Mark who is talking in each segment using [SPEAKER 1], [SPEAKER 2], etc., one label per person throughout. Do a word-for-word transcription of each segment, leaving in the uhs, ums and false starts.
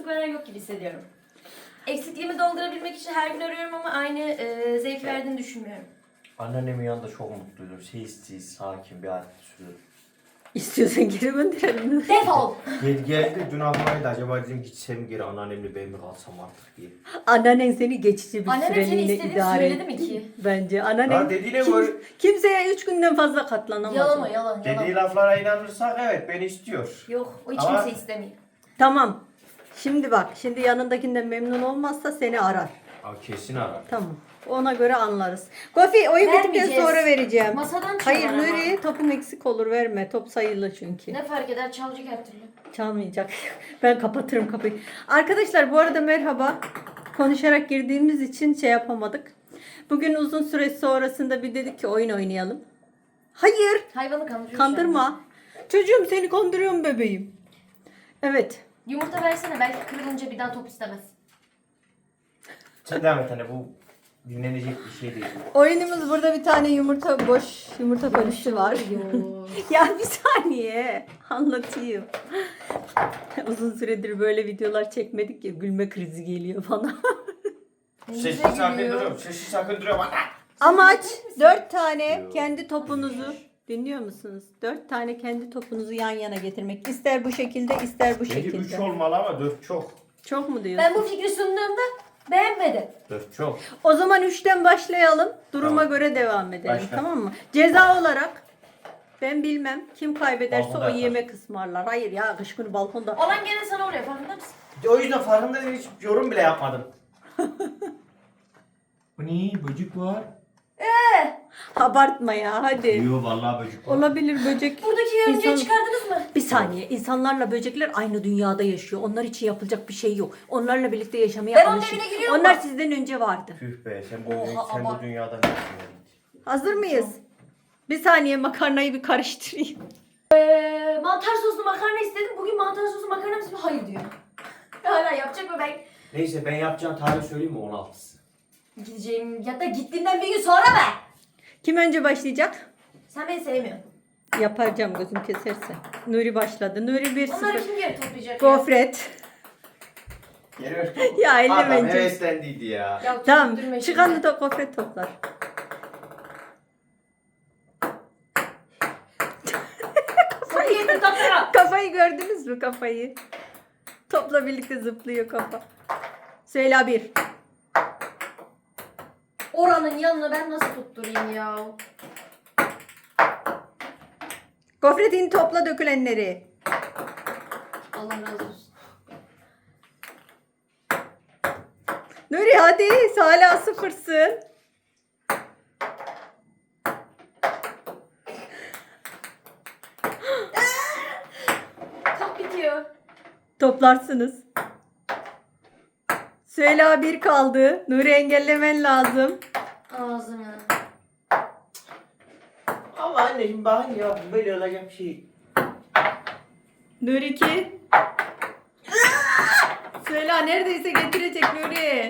[SPEAKER 1] veren yok gibi hissediyorum. Eksikliğimi doldurabilmek için her gün arıyorum ama aynı e, zevk verdiğini düşünmüyorum.
[SPEAKER 2] Anneannemin yanında çok mutluydum. Sessiz, sakin bir hayat sürüyorum.
[SPEAKER 3] İstiyorsan geri gönderelim.
[SPEAKER 1] Defol!
[SPEAKER 2] Gel geldi dün aklımaydı acaba dedim gitsem geri anneannemle ben mi kalsam artık diye.
[SPEAKER 3] Anneannen seni geçici bir
[SPEAKER 1] Anneannem seni
[SPEAKER 3] süreliğine
[SPEAKER 1] istediğini
[SPEAKER 3] idare
[SPEAKER 1] söyledi
[SPEAKER 3] etti.
[SPEAKER 1] mi ki?
[SPEAKER 3] Bence.
[SPEAKER 2] Ya
[SPEAKER 3] Anneannen
[SPEAKER 2] dediğine
[SPEAKER 3] kim-
[SPEAKER 2] göre
[SPEAKER 3] kimseye üç günden fazla katlanamaz.
[SPEAKER 1] Yalan
[SPEAKER 3] o.
[SPEAKER 1] o yalan yalan.
[SPEAKER 2] dediği laflara inanırsak evet beni istiyor.
[SPEAKER 1] Yok o hiç
[SPEAKER 2] Ama-
[SPEAKER 1] kimse istemiyor.
[SPEAKER 3] Tamam. Şimdi bak. Şimdi yanındakinden memnun olmazsa seni arar.
[SPEAKER 2] Abi kesin arar.
[SPEAKER 3] Tamam. Ona göre anlarız. Gofi oyun bittikten
[SPEAKER 1] Vermeyeceğiz.
[SPEAKER 3] sonra vereceğim.
[SPEAKER 1] Masadan
[SPEAKER 3] Hayır
[SPEAKER 1] çalar ama.
[SPEAKER 3] Nuri topun eksik olur verme. Top sayılı çünkü.
[SPEAKER 1] Ne fark eder çalacak her türlü.
[SPEAKER 3] Çalmayacak. Ben kapatırım kapıyı. Arkadaşlar bu arada merhaba. Konuşarak girdiğimiz için şey yapamadık. Bugün uzun süre sonrasında bir dedik ki oyun oynayalım. Hayır.
[SPEAKER 1] Hayvanı kandırıyor.
[SPEAKER 3] Kandırma. Çocuğum seni kandırıyorum bebeğim. Evet.
[SPEAKER 1] Yumurta versene belki kırılınca bir daha top istemez.
[SPEAKER 2] Sen devam et anne bu dinlenecek bir şey değil.
[SPEAKER 3] Oyunumuz burada bir tane yumurta boş yumurta karışı var.
[SPEAKER 1] Yok.
[SPEAKER 3] Ya bir saniye anlatayım. Uzun süredir böyle videolar çekmedik ya gülme krizi geliyor bana.
[SPEAKER 2] Sessiz sakın duruyorum. Sessiz sakın duruyorum anne.
[SPEAKER 3] Amaç dört tane
[SPEAKER 2] Yok.
[SPEAKER 3] kendi topunuzu dinliyor musunuz? Dört tane kendi topunuzu yan yana getirmek. İster bu şekilde ister bu
[SPEAKER 2] Bence üç
[SPEAKER 3] şekilde.
[SPEAKER 2] olmalı ama dört çok.
[SPEAKER 3] Çok mu diyorsun?
[SPEAKER 1] Ben bu fikri sunduğumda beğenmedi.
[SPEAKER 2] Dört çok.
[SPEAKER 3] O zaman üçten başlayalım. Duruma
[SPEAKER 2] Tamam.
[SPEAKER 3] göre devam edelim.
[SPEAKER 2] Başla.
[SPEAKER 3] Tamam mı? Ceza olarak ben bilmem kim kaybederse
[SPEAKER 2] Balkonda
[SPEAKER 3] o
[SPEAKER 2] yatar.
[SPEAKER 3] yemek ısmarlar. Hayır ya kış günü balkonda.
[SPEAKER 1] Olan gene sana oraya farkında mısın?
[SPEAKER 2] O yüzden farkında değilim, hiç yorum bile yapmadım. Bu ne? Böcek var.
[SPEAKER 3] Abartma ya hadi.
[SPEAKER 2] Yok vallahi böcek var.
[SPEAKER 3] Olabilir böcek.
[SPEAKER 1] Buradaki yörüngeyi
[SPEAKER 3] İnsan-
[SPEAKER 1] çıkardınız mı?
[SPEAKER 3] Bir saniye. İnsanlarla böcekler aynı dünyada yaşıyor. Onlar için yapılacak bir şey yok. Onlarla birlikte yaşamaya
[SPEAKER 1] Ben onun
[SPEAKER 3] alışın.
[SPEAKER 1] evine giriyorum
[SPEAKER 3] Onlar
[SPEAKER 1] bak.
[SPEAKER 3] sizden önce vardı.
[SPEAKER 2] Tüh be sen bu,
[SPEAKER 1] Oha,
[SPEAKER 2] sen bu
[SPEAKER 1] ama-
[SPEAKER 2] dünyadan ne yapıyorsun?
[SPEAKER 3] Hazır mıyız? Bir saniye makarnayı bir karıştırayım.
[SPEAKER 1] Ee, mantar soslu makarna istedim. Bugün mantar soslu makarna mısın? Hayır diyor. Hala yapacak mı ben?
[SPEAKER 2] Neyse ben yapacağım tarih söyleyeyim mi on altısı?
[SPEAKER 1] Gideceğim ya da gittiğimden bir gün sonra be.
[SPEAKER 3] Kim önce başlayacak?
[SPEAKER 1] Sen beni sevmiyorsun.
[SPEAKER 3] Yapacağım gözüm keserse. Nuri başladı. Nuri bir
[SPEAKER 1] Onları
[SPEAKER 3] sıfır.
[SPEAKER 1] kim geri toplayacak ya?
[SPEAKER 3] Gofret.
[SPEAKER 2] Geliyor.
[SPEAKER 3] Ya elle
[SPEAKER 2] Adam
[SPEAKER 3] bence.
[SPEAKER 2] heveslendiydi ya.
[SPEAKER 1] Ya
[SPEAKER 3] Tamam.
[SPEAKER 1] tutturma
[SPEAKER 3] Çıkanı
[SPEAKER 1] şimdi.
[SPEAKER 3] da gofret toplar.
[SPEAKER 1] Bunu getir toplara.
[SPEAKER 3] Kafayı gördünüz mü kafayı? Topla birlikte zıplıyor kafa. Söyle bir.
[SPEAKER 1] Oranın yanına ben nasıl tutturayım ya?
[SPEAKER 3] Gofretini topla dökülenleri.
[SPEAKER 1] Allah razı olsun.
[SPEAKER 3] Nuri hadi hala sıfırsın.
[SPEAKER 1] Çok bitiyor.
[SPEAKER 3] Toplarsınız. Söyle bir kaldı. Nuri engellemen lazım.
[SPEAKER 1] Ağzına.
[SPEAKER 2] Ama anneciğim bakın ya böyle olacak bir şey.
[SPEAKER 3] Nuri iki. Söyle neredeyse getirecek Nuri.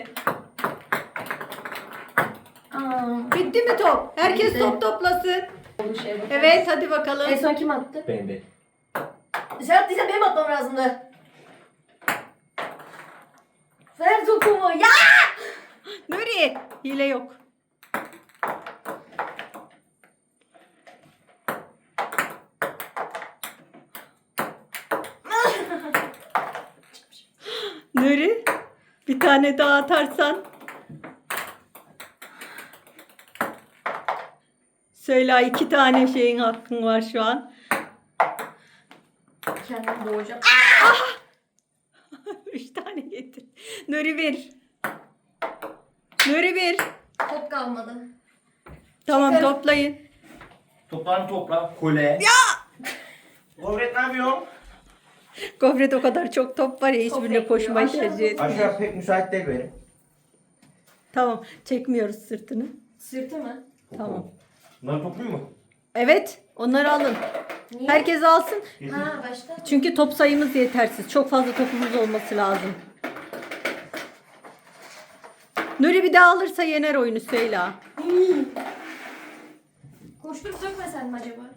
[SPEAKER 1] Aa.
[SPEAKER 3] Bitti mi top? Herkes
[SPEAKER 1] Bitti.
[SPEAKER 3] top toplasın.
[SPEAKER 1] Bu şey bak.
[SPEAKER 3] Evet hadi bakalım.
[SPEAKER 1] En son kim attı?
[SPEAKER 2] Ben ben.
[SPEAKER 1] Sen attıysan benim atmam lazımdı. Ver topumu. Ya!
[SPEAKER 3] Nuri hile yok. Nuri bir tane daha atarsan. Söyle iki tane şeyin hakkın var şu an.
[SPEAKER 1] Kendimi boğacağım.
[SPEAKER 3] Üç tane getir. Nuri bir. Nuri bir.
[SPEAKER 1] Top kalmadı.
[SPEAKER 3] Tamam
[SPEAKER 1] Çıkar.
[SPEAKER 3] toplayın.
[SPEAKER 2] Toplarını topla. Kole. Ya! Gofret ne yapıyorsun?
[SPEAKER 3] Gofret o kadar çok top var ya hiçbirine
[SPEAKER 1] bekliyor.
[SPEAKER 3] koşmayı
[SPEAKER 1] Aşağı
[SPEAKER 3] tercih etmiyor.
[SPEAKER 2] Aşağı pek müsait değil benim.
[SPEAKER 3] Tamam çekmiyoruz sırtını.
[SPEAKER 1] Sırtı mı?
[SPEAKER 3] Tamam.
[SPEAKER 2] Bunları topluyor mu?
[SPEAKER 3] Evet onları alın.
[SPEAKER 1] Niye?
[SPEAKER 3] Herkes alsın.
[SPEAKER 1] Ha başta.
[SPEAKER 3] Çünkü top sayımız yetersiz. Çok fazla topumuz olması lazım. Nuri bir daha alırsa yener oyunu Süheyla.
[SPEAKER 1] Koşturup dökmesen mi acaba?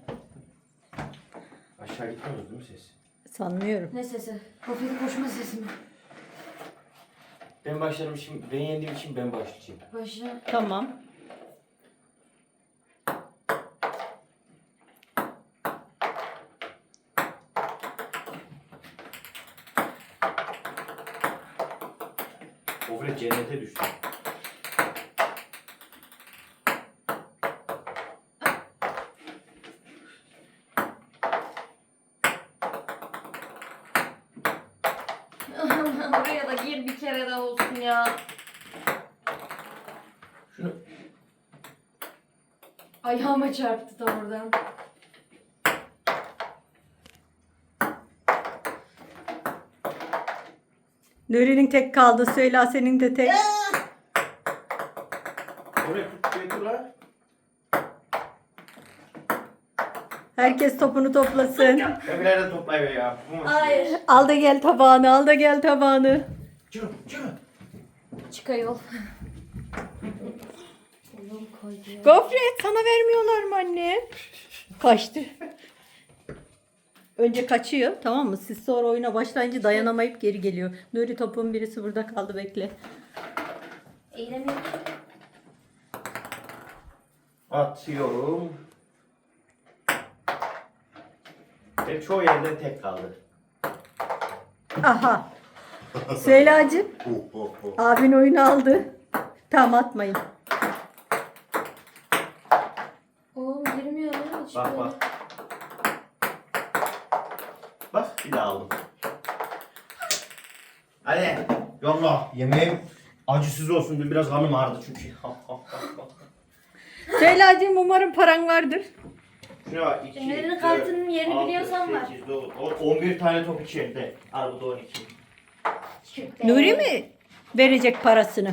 [SPEAKER 2] Aşağı gitmiyoruz değil mi ses?
[SPEAKER 3] Sanmıyorum.
[SPEAKER 1] Ne sesi? Kofetin koşma sesi mi?
[SPEAKER 2] Ben başlarım şimdi. Ben yendiğim için ben başlayacağım.
[SPEAKER 1] Başla.
[SPEAKER 3] Tamam.
[SPEAKER 2] Ofre cennete düştü.
[SPEAKER 1] Oraya da gir bir kere daha olsun ya.
[SPEAKER 2] Şunu
[SPEAKER 1] Ayağıma çarptı tam oradan.
[SPEAKER 3] Nuri'nin tek kaldı. Söyle senin de tek.
[SPEAKER 2] oraya tut götür lan.
[SPEAKER 3] Herkes topunu toplasın.
[SPEAKER 2] Öbürleri toplayın ya. Bu mu?
[SPEAKER 1] Hayır.
[SPEAKER 3] Al da gel tabağını. Al da gel tabağını.
[SPEAKER 2] Çıkın çıkın.
[SPEAKER 1] Çık ayol. Oğlum koydu.
[SPEAKER 3] Gofret sana vermiyorlar mı anne? Kaçtı. Önce kaçıyor, tamam mı? Siz sonra oyuna başlayınca dayanamayıp geri geliyor. Nuri topun birisi burada kaldı, bekle.
[SPEAKER 1] Eğilemiyorum.
[SPEAKER 2] Atıyorum. Benim çoğu yerden tek kaldı.
[SPEAKER 3] Aha. Süheyla'cığım, abin oyunu aldı. Tamam, atmayın.
[SPEAKER 1] Oğlum girmiyor lan hiç
[SPEAKER 2] Bak
[SPEAKER 1] böyle.
[SPEAKER 2] bak. Bak bir daha aldım. Hadi yolla. Yemeğim acısız olsun. Dün biraz kanım ağrıdı çünkü.
[SPEAKER 3] Süheyla'cığım, umarım paran vardır.
[SPEAKER 2] Şuna bak. iki,
[SPEAKER 1] Fener'in
[SPEAKER 2] dört,
[SPEAKER 1] kartının yerini
[SPEAKER 2] altı,
[SPEAKER 1] biliyorsan var.
[SPEAKER 2] sekiz, dokuz, on, on bir tane top içeride. Arabada on iki.
[SPEAKER 3] Nuri mi verecek parasını?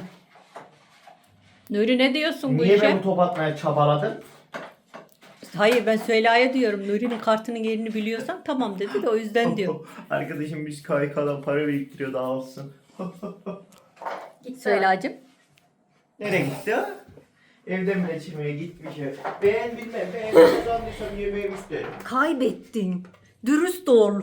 [SPEAKER 3] Nuri, ne diyorsun bu
[SPEAKER 2] Niye
[SPEAKER 3] işe?
[SPEAKER 2] ben bu top atmaya çabaladım?
[SPEAKER 3] Hayır, ben Süheyla'ya diyorum. Nuri'nin kartının yerini biliyorsan tamam dedi de o yüzden diyor.
[SPEAKER 2] Arkadaşım biz K Y K'dan para biriktiriyor daha olsun.
[SPEAKER 1] Gitti.
[SPEAKER 3] Süheyla'cığım.
[SPEAKER 2] Nereye gitti o? Evden bile çıkmaya gitmiş ev. Ben bilmem. Ben kazandıysam yemeğimi isterim.
[SPEAKER 3] Kaybettin. Dürüst ol.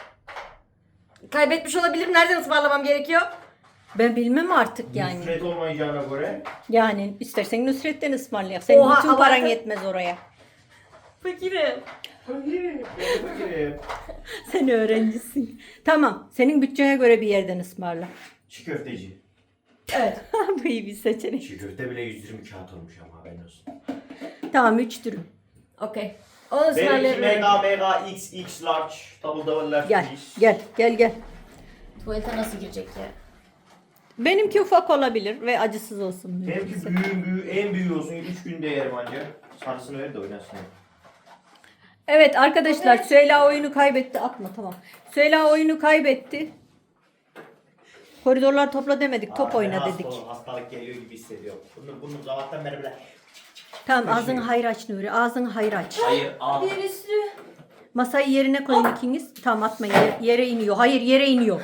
[SPEAKER 1] Kaybetmiş olabilirim. Nereden ısmarlamam gerekiyor?
[SPEAKER 3] Ben bilmem artık yani.
[SPEAKER 2] Nusret olmayacağına göre.
[SPEAKER 3] Yani istersen Nusret'ten ısmarlayak. Senin
[SPEAKER 1] Oha,
[SPEAKER 3] bütün paran
[SPEAKER 1] abartı.
[SPEAKER 3] yetmez oraya.
[SPEAKER 1] Fakirim.
[SPEAKER 2] Fakirim. Ben fakirim.
[SPEAKER 3] Sen öğrencisin. Tamam. Senin bütçene göre bir yerden ısmarla.
[SPEAKER 2] Çiğ köfteci.
[SPEAKER 1] Evet.
[SPEAKER 3] Bu iyi bir seçenek.
[SPEAKER 2] Çiğ köfte bile yüz yirmi kağıt olmuş ama haberin olsun.
[SPEAKER 3] Tamam, üç dürüm.
[SPEAKER 1] Okey. Onu
[SPEAKER 2] Benimki
[SPEAKER 1] ısmarlarım.
[SPEAKER 2] mega mega x x large double double large
[SPEAKER 3] Gel.
[SPEAKER 2] please.
[SPEAKER 3] Gel. Gel gel.
[SPEAKER 1] Tuvalete nasıl girecek ya?
[SPEAKER 3] Benimki ufak olabilir ve acısız olsun.
[SPEAKER 2] Benimki büyüğün büyüğü en büyüğü olsun. üç günde yerim anca. Sarısını ver de oynasın.
[SPEAKER 3] Evet arkadaşlar, Süheyla oyunu kaybetti. Atma, tamam. Süheyla oyunu kaybetti. Koridorlar topla demedik. Top
[SPEAKER 2] Aa,
[SPEAKER 3] oyna
[SPEAKER 2] ben
[SPEAKER 3] dedik.
[SPEAKER 2] hasta- Hastalık geliyor gibi hissediyorum. Bunu, bunu zaten beri bile.
[SPEAKER 3] Tamam, ağzını hayır aç Nuri. Ağzını hayır aç.
[SPEAKER 2] Hayır al.
[SPEAKER 1] Bir üstü.
[SPEAKER 3] Masayı yerine koyun ikiniz. Tamam, atmayın. Yere, yere iniyor. Hayır, yere iniyor.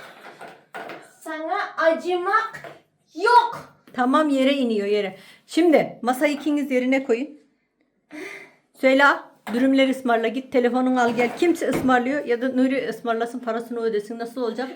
[SPEAKER 1] Sana acımak yok.
[SPEAKER 3] Tamam, yere iniyor, yere. Şimdi masayı ikiniz yerine koyun. Süheyla, dürümleri ısmarla, git telefonunu al gel. Kimse ısmarlıyor ya da Nuri ısmarlasın, parasını ödesin. Nasıl olacak?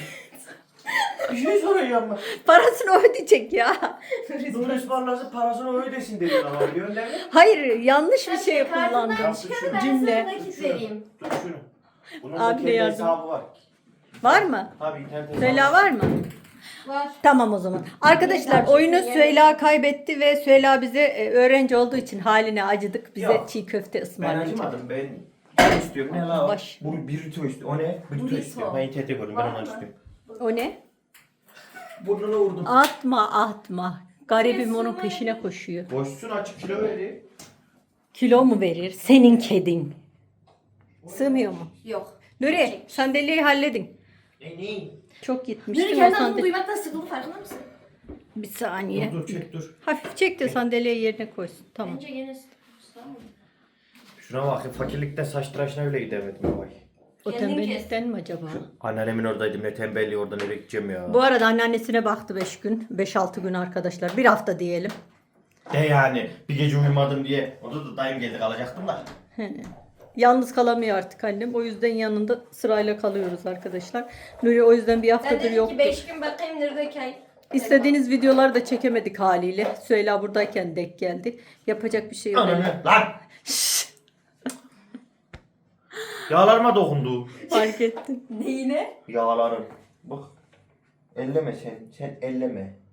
[SPEAKER 2] Bir şey soracağım ben.
[SPEAKER 3] Parasını ödeyecek ya.
[SPEAKER 2] Nuri ısmarlarsa parasını ödesin dedin ama biliyorsun değil mi?
[SPEAKER 3] Hayır, yanlış bir şey
[SPEAKER 1] Kartından
[SPEAKER 3] kullandım.
[SPEAKER 1] çıkarı ben
[SPEAKER 3] Cümle.
[SPEAKER 1] sana nakit vereyim.
[SPEAKER 2] Dur şunu. Bunun
[SPEAKER 3] Abi
[SPEAKER 2] da
[SPEAKER 3] de
[SPEAKER 2] kendi
[SPEAKER 3] yardım.
[SPEAKER 2] hesabı var.
[SPEAKER 3] Var mı?
[SPEAKER 2] Tabii internet hesabı
[SPEAKER 3] Süheyla var mı?
[SPEAKER 1] Var.
[SPEAKER 3] Tamam o zaman. Arkadaşlar, oyunu Süheyla kaybetti ve Süheyla bize e, öğrenci olduğu için haline acıdık. Bize
[SPEAKER 2] Yok.
[SPEAKER 3] çiğ köfte
[SPEAKER 2] Ben
[SPEAKER 3] ısmarlayacak.
[SPEAKER 2] acımadım. Ben ben istiyorum. Ne la o?
[SPEAKER 3] Baş.
[SPEAKER 2] Bu burrito istiyor. O ne? Burrito
[SPEAKER 1] Burrito.
[SPEAKER 2] istiyorum. Ben internette gördüm. Ben
[SPEAKER 1] Var
[SPEAKER 2] onu
[SPEAKER 1] mı?
[SPEAKER 2] istiyorum.
[SPEAKER 3] O ne?
[SPEAKER 2] Burnuna vurdum.
[SPEAKER 3] Atma atma. Garibim
[SPEAKER 1] Burası
[SPEAKER 3] onun
[SPEAKER 1] var.
[SPEAKER 3] peşine koşuyor.
[SPEAKER 2] Boşsun açık kilo verdi.
[SPEAKER 3] Kilo mu verir? Senin kedin. Sığmıyor mu?
[SPEAKER 1] Yok.
[SPEAKER 3] Nuri, sandalyeyi halledin.
[SPEAKER 2] E ne?
[SPEAKER 3] Çok gitmiştim.
[SPEAKER 1] Nuri
[SPEAKER 3] o
[SPEAKER 1] kendi adını
[SPEAKER 3] sandalye-
[SPEAKER 1] duymaktan sıkıldı farkında mısın?
[SPEAKER 3] Bir saniye.
[SPEAKER 2] Dur dur çek dur.
[SPEAKER 3] Hafif çek de sandalyeyi yerine koysun. Tamam.
[SPEAKER 1] Bence gene tamam.
[SPEAKER 2] Şuna bak. Fakirlikte saç tıraşına bile gidemedim. Vay.
[SPEAKER 3] O
[SPEAKER 1] Kendin
[SPEAKER 3] tembellikten mi acaba?
[SPEAKER 2] Anneannemin oradaydım. Ne tembelliği orada nereye gideceğim ya.
[SPEAKER 3] Bu arada anneannesine baktı beş gün. beş altı gün arkadaşlar. Bir hafta diyelim.
[SPEAKER 2] De yani bir gece uyumadım diye. Orada da dayım geldi kalacaktım da.
[SPEAKER 3] Yalnız kalamıyor artık annem. O yüzden yanında sırayla kalıyoruz arkadaşlar. Nuri o yüzden bir
[SPEAKER 1] Ben
[SPEAKER 3] haftadır
[SPEAKER 1] dedim
[SPEAKER 3] yoktu.
[SPEAKER 1] ki beş gün bakayım neredeyken.
[SPEAKER 3] İstediğiniz videoları da çekemedik haliyle. Süheyla buradayken denk geldi. Yapacak bir şey yok.
[SPEAKER 2] Ananı lan. Yağlarıma dokundu.
[SPEAKER 3] Fark ettim.
[SPEAKER 1] Neyine?
[SPEAKER 2] Yağlarım. Bak. Elleme sen. Sen elleme.